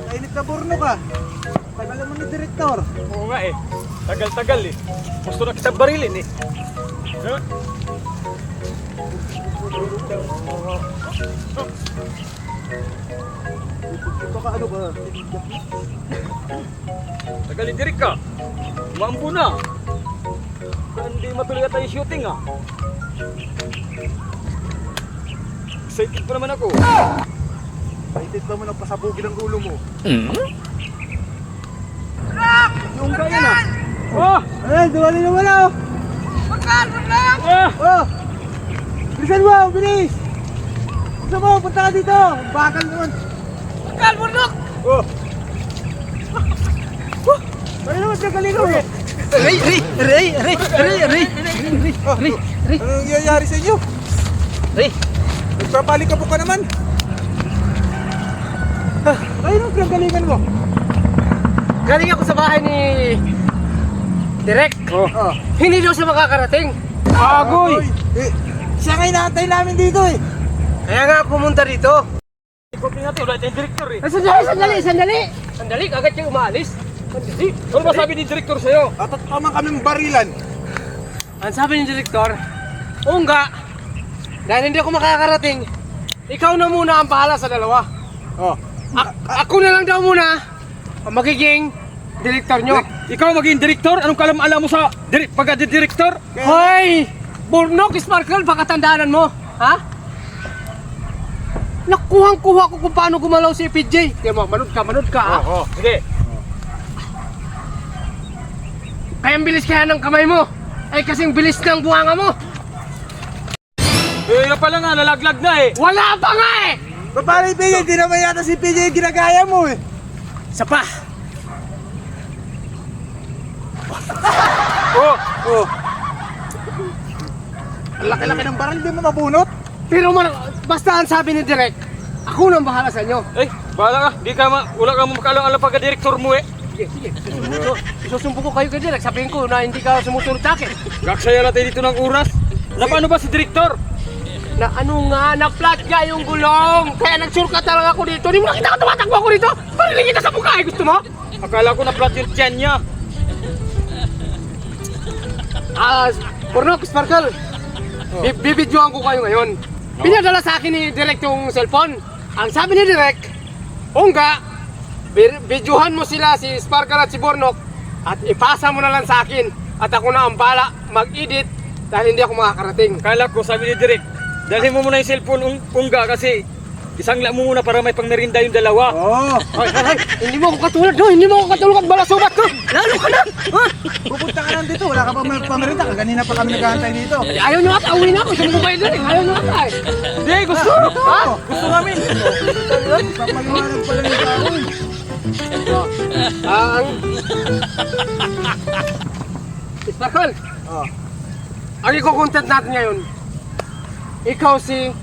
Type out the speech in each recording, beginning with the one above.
Nakakainit na burno ka. Tagal naman ni Direktor. Oo nga eh. Tagal-tagal eh. Gusto na kitang barilin eh. Huh? Ito ka ano ba? Tagal ni Direk ka. Maambo na. Kaya hindi matuloy tayo shooting ah. Excited pa naman ako. Excited ba mo nagpasabugin ang ulo mo? Yung kaya na. Oh! Ay, duwali naman ako. Bakal, bakal! Ah! Oh! Bilisan mo, bilis! Gusto mo, punta ka dito. Bakal naman. Bakal, bundok! Oh! Ano naman siya kalino eh? Ray! Anong nangyayari sa inyo? Ray! Nagpapalikabok ka naman. Ay, anong pinagalingan mo? Galing ako sa bahay ni Direk. Oh! Hindi daw siya makakarating. Agoy! Eh, siya nga inaantay namin dito eh. Kaya nga pumunta dito. Ikotin natin, wala tayong director eh. Sandali, agad siya umalis. Sandali. Ano ba sabi ni director sa'yo? At tama kaming barilan. Ang sabi ni Direktor, o nga, dahil hindi ako makakarating, ikaw na muna ang bahala sa dalawa. Oh. Ako na lang daw muna ang magiging Direktor nyo. Ikaw maging director? Anong kalam-alam mo sa pagka-director? Hoy! Burnok, Sparkle, pakatandaanan mo. Ha? Nakuhang-kuha ko kung paano gumalaw si PJ. Kaya mo, manood ka, ha? Oo, sige. Kaya ang bilis kaya ng kamay mo. Ay kasing bilis ng buhanga mo. Eh, pala nga, nalaglag na eh. Wala pa nga eh! Paano yung PJ? Hindi naman yata si PJ yung ginagaya mo eh. Isa pa. Oh! Oh. Ang laki-laki ng baril, di mo mabunot? Pero basta ang sabi ni Direk, ako nang bahala sa inyo. Eh, bahala ka. Wala ka makaalam-alam pagka-director mo eh. Sige. Isusumpo ko kayo kay Direk. Sabihin ko na hindi ka sumusunod sa akin. Gaksaya natin dito ng oras. Na paano ba si director? Na ano nga, na-flat nga yung gulong. Kaya nag-shortcut talaga ako dito. Hindi mo nakita ka tumatakbo ako dito. Pariling kita sa mukha eh. Gusto mo? Akala ko na flat yung tiyan niya. Pornok, Sparkle. Bibidyoan ko kayo ngayon. Pinadala sa akin ni Direk yung cellphone. Ang sabi ni Direk, Ongga, videohan mo sila si Sparkle at si Bornok at ipasa mo na lang sa akin at ako na ang bala mag-edit dahil hindi ako makakarating. Akala ko sabi ni Direk, dalhin mo muna yung cellphone Ungga kasi isangla mo muna para may pangmerinda yung dalawa. Oo. Ay, hindi mo ako katulad, no? Hindi mo ako katulad at balasubat ko. Lalo ka na. Ha? Pupunta ka lang dito, wala ka pa pamerita. Kanina pa kami naghahantay dito. Ayaw nyo ata, uwi na ako. Sabi ko kayo doon eh. Ayaw nyo ata eh. Hindi, gusto! Ha? Gusto namin! Papaliwanag pala yung tao eh. Ang... Sparkle, Oh. ang iko-content natin ngayon, ikaw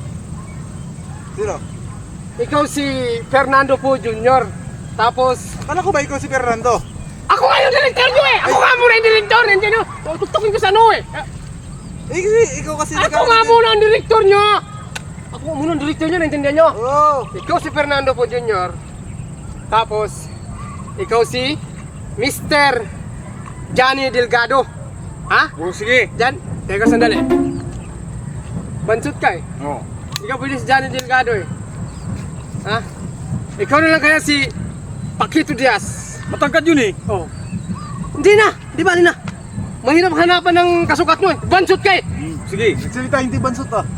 si Fernando po Jr. Tapos, Akala ko ba ikaw si Fernando? ako nga yung director nyo eh! Ako nga muna yung director! Nandiyan nyo! Tutukin ko sa ano eh! Eh, kasi ikaw kasi Ako nga muna ang director nyo! Ako nga muna ang director nyo, naintindihan nyo? Oo. Ikaw si Fernando po Jr. Tapos, ikaw si Mr. Johnny Delgado. Ha? Oh, sige. Jan, teka sandali. Bansot ka eh. Oh. Ikaw pwede si Johnny Delgado eh. Ha? Ikaw na lang kaya si Paquito Diaz. Matangkad yun eh. Oh. Hindi na! Di ba, na? Mahirap hanapan ng kasukat mo eh. Bansot ka eh. Sige. Nagsalita hindi bansot ah.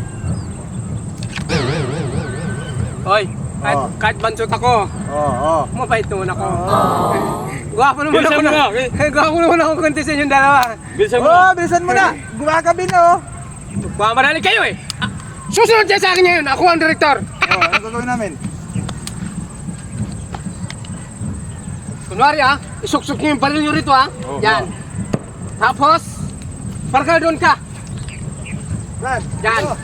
Hoy, Oh. kahit bansot ako, Oo. mabait naman ako. Gwapo naman Bilisan ako mo na. Gwapo naman ako konti sa inyong dalawa. Bilisan mo Oo, na. bilisan mo na. Gumagabi na oh. Mamarali kayo eh. Susunod dyan sa akin ngayon. Ako ang direktor. Oh, ano gagawin namin? Kunwari isuksok niyo yung baril nyo rito Oh, Yan. Tapos, parka doon ka. Yan. Yan. Oh.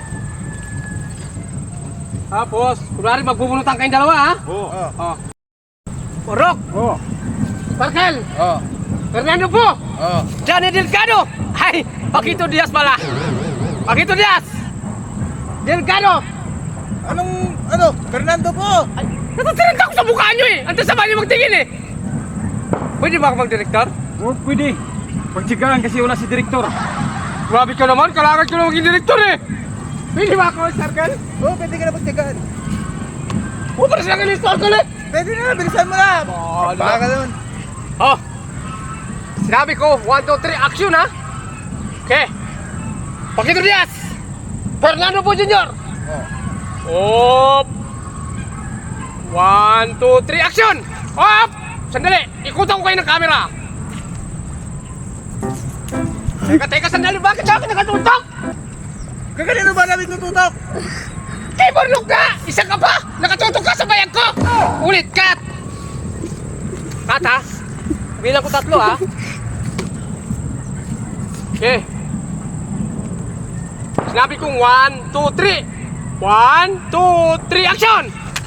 Tapos, kunwari magbubunutan kayong dalawa Oh. Oh. Orok, Oh. Parkel, Oh. Fernando po, Oh. Johnny Delgado. Ay, Paquito Diaz pala. Paquito Diaz. Delgado. ano, Fernando po. Ay, natatirinta ko sa mukha nyo eh. Ang sama nyo magtingin eh. Pwede ba ako mag-director? Oh, pwede. Pagtsigaan kasi wala si direktor. Grabe ka naman, kailangan ko na maging director eh. Pwede ba ako, Circle? Oh, pwede ka na magtyagaan. Para sila kayo Circle eh. Pwede na, bilisan mo na. Bahala. Baka naman. Oh, sinabi ko, 1, 2, 3, action ha. Okay. Paquito Diaz. Fernando po Jr. Oh. Op. 1, 2, 3, action! Op! Sandali, ikutan ko kayo ng camera. Teka, sandali, bakit sa akin nakatutok? Kaganino ba namin tututok? Kay Bornok ka! Isa ka pa! Nakatutok ka sa bayag ko! Ulit, cut! Cut ha? Bilang ko 3 ha? Okay. Sinabi kong 1, 2, 3. 1, 2, 3, action!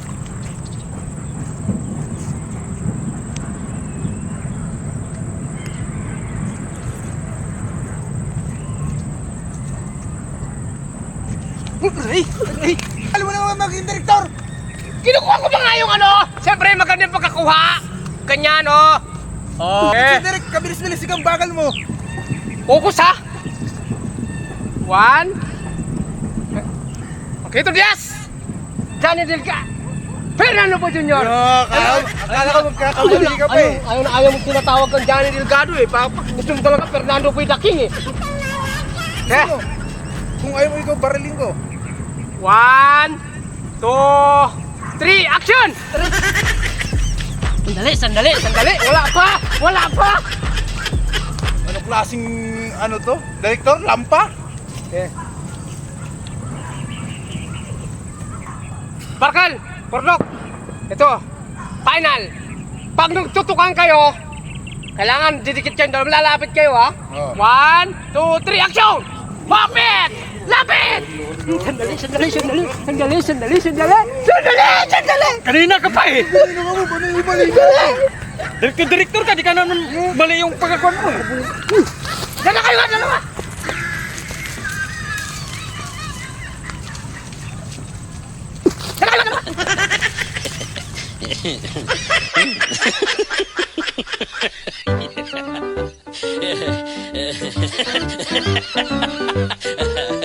Ay, alam mo naman maging direktor. Kinukuha ko ba nga yung ano? Siyempre maganda yung pagkakuha. Ganyan oh. Si Derek, kabilis-bilis ikang bagal mo. Focus ha. 1. Paquito Diaz. Johnny Delga. Fernando po Jr. Akala ko magkakamali ka pa eh. Ayaw mo tinatawag kang Johnny Delgado eh. Gusto mo talaga Fernando po the King eh. Sino? Kung ayaw mo ikaw, barilin ko. 1, 2, 3, action! Sandali. Wala pa! Ano klaseng ano to? Direktor? Lampa? Okay. Barkal! Bornok! Ito, final! Pag nagtutukan kayo, kailangan didikit kayo, lalapit kayo ha? Oh. 1, 2, 3, action! Lapit! Lapit! Sandali! Kanina ka pa eh. Ano ka mo? Paano yung mali? Direktor ka, di ka naman mali yung pagkakuan mo eh. Dala kayo nga, dalawa! Ha ha ha ha.